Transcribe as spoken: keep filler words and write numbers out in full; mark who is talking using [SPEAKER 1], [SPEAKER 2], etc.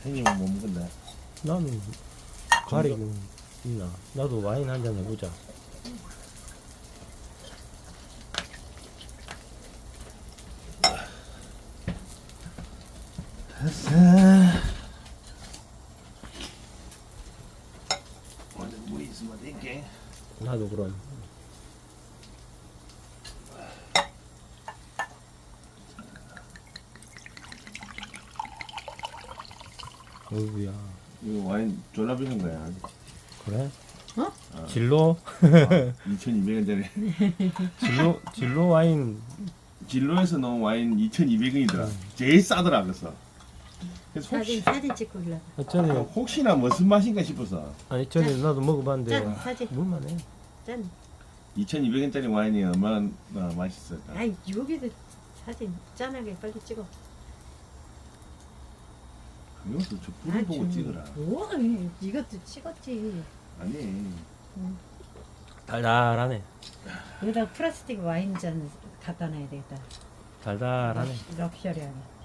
[SPEAKER 1] 생기면 못 먹는데.
[SPEAKER 2] 나는 가리긴 있나? 나도 와인 한 잔 해보자.
[SPEAKER 1] 됐어. 오늘 뭐 있으면 될게.
[SPEAKER 2] 나도 그럼. 어이구야.
[SPEAKER 1] 이거 와인 졸라 비싼 거야.
[SPEAKER 2] 그래?
[SPEAKER 3] 어?
[SPEAKER 1] 아.
[SPEAKER 2] 진로?
[SPEAKER 1] 이천이백 원짜리.
[SPEAKER 2] 진로, 진로 와인.
[SPEAKER 1] 진로에서 넣은 와인 이천이백 원이더라. 제일 싸더라 그래서. 그래서
[SPEAKER 3] 사진
[SPEAKER 1] 혹시,
[SPEAKER 3] 사진 찍고 올라가.
[SPEAKER 1] 아,
[SPEAKER 2] 전에,
[SPEAKER 1] 혹시나 무슨 맛인가 싶어서
[SPEAKER 2] 아니, 전에 나도 먹어봤는데,
[SPEAKER 3] 짠 사진
[SPEAKER 2] 물만해.
[SPEAKER 3] 짠.
[SPEAKER 1] 이천이백 원짜리 와인이 얼마나 맛있을까.
[SPEAKER 3] 아이 여기도 사진 짠하게 빨리 찍어.
[SPEAKER 1] 이것도 저 불을 보고
[SPEAKER 3] 좀-
[SPEAKER 1] 찍어라.
[SPEAKER 3] 우와 이것도 찍었지.
[SPEAKER 1] 아니.
[SPEAKER 2] 달달하네.
[SPEAKER 3] 여기다 플라스틱 와인 잔 갖다 놔야 되겠다.
[SPEAKER 2] 달달하네.
[SPEAKER 3] 럭셔리하게.